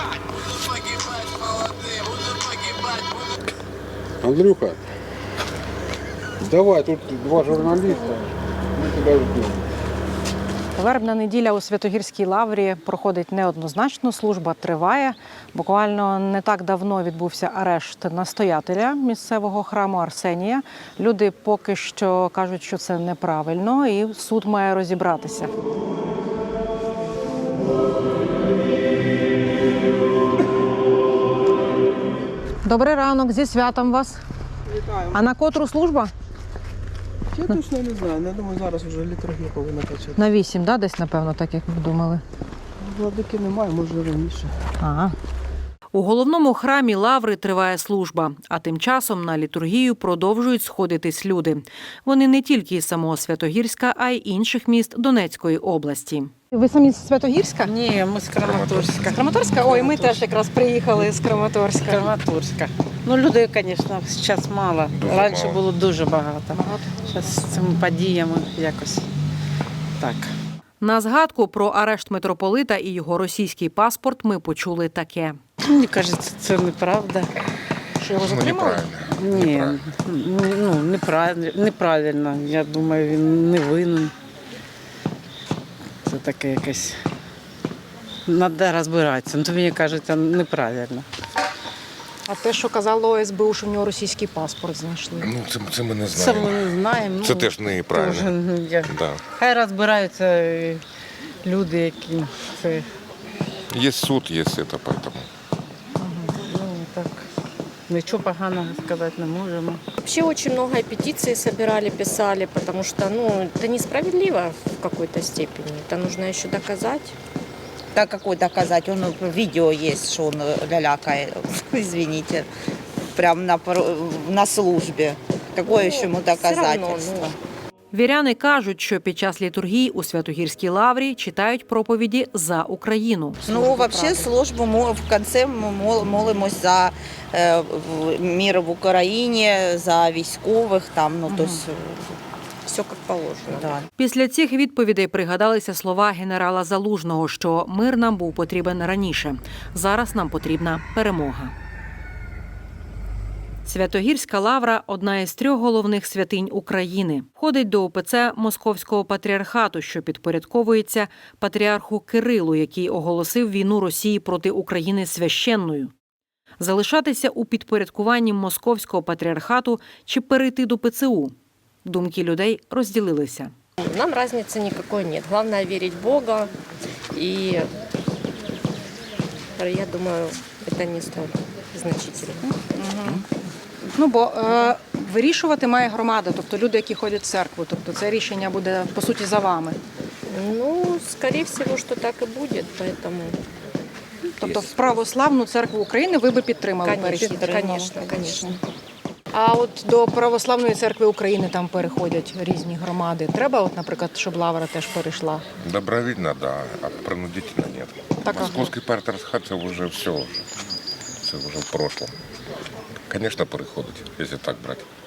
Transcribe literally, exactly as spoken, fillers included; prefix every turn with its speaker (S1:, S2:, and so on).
S1: Андрюха, давай, тут два журналіста, ми тебе ждемо.
S2: Вербна неділя у Святогірській лаврі проходить неоднозначно, служба триває. Буквально не так давно відбувся арешт настоятеля місцевого храму Арсенія. Люди поки що кажуть, що це неправильно, і суд має розібратися. Добрий ранок, зі святом вас.
S3: Вітаю.
S2: А на котру служба?
S3: Я точно не знаю. Я думаю, зараз вже літургія повинна почати.
S2: На вісім, да, десь, напевно, так як ми думали.
S3: Владики немає, може раніше.
S2: Ага. У головному храмі Лаври триває служба, а тим часом на літургію продовжують сходитись люди. Вони не тільки із самого Святогірська, а й інших міст Донецької області. Ви самі з Святогірська?
S4: Ні, ми з Краматорська.
S2: З Краматорська? Ой, ми теж якраз приїхали з Краматорська.
S4: Краматорська. Ну, людей, звісно, зараз мало.
S5: Дуже
S4: Раніше
S5: мало.
S4: було дуже багато.
S2: Багато.
S4: Зараз з цими подіями якось так.
S2: На згадку про арешт митрополита і його російський паспорт ми почули таке.
S4: Мені кажеться, це неправда.
S2: Що його
S5: Ну,
S2: затримали?
S5: неправильно.
S4: Ні,
S5: неправильно.
S4: ну, неправильно, неправильно. Я думаю, він не винен. Це таке якесь. Треба розбиратися. Ну, то мені кажеться, неправильно.
S2: А те, що казало О С Б У, що в нього російський паспорт знайшли.
S5: Ну, це, це ми не
S4: Це
S5: знаємо.
S4: ми не знаємо.
S5: Це
S4: ну,
S5: теж неправильно.
S4: теж, ну, я-
S5: Да.
S4: Хай розбираються е, люди, які це
S5: Є суд, є це, поэтому.
S4: ну, так. Нічого поганого сказати не можемо.
S6: Вообще очень много петиций собирали, писали, потому что, ну, это несправедливо в какой-то степени. Это нужно еще доказать.
S7: Да какой доказать? Он видео есть, что он лялякает, извините, прям на, пор- на службе. Какое еще ему
S6: Все равно,
S7: доказательство?
S6: ну,
S2: Віряни кажуть, що під час літургії у Святогірській лаврі читають проповіді за Україну.
S7: Ну, вообще службу мо- в конце ми мол- молимось за е, в- мир в Україні, за військових, там, ну, то есть,
S6: все как положено.
S7: да.
S2: Після цих відповідей пригадалися слова генерала Залужного, що мир нам був потрібен раніше. Зараз нам потрібна перемога. Святогірська лавра – одна із трьох головних святинь України. Входить до О Пе Це Московського патріархату, що підпорядковується патріарху Кирилу, який оголосив війну Росії проти України священною. Залишатися у підпорядкуванні Московського патріархату чи перейти до Пе Це У? Думки людей розділилися.
S6: Нам разницы никакой нет. Главное верить в Бога. И я думаю, это не столь значительно.
S2: Ну, бо е, вирішувати має громада, тобто люди, які ходять в церкву. Тобто це рішення буде, по суті, за вами.
S6: Ну, скорее всего, что так и будет, поэтому...
S2: Тобто в православну церкву України ви би підтримали
S6: Конечно,
S2: перехід?
S6: конечно, конечно.
S2: А от до православної церкви України там переходять різні громади. Треба, от, наприклад, щоб лавра теж перейшла?
S5: Добровільно, да, а принудительно нет.
S2: Так, ага.
S5: Московський патріархат – це вже все. Це вже в прошлом. Звісно, переходить, якщо так брати.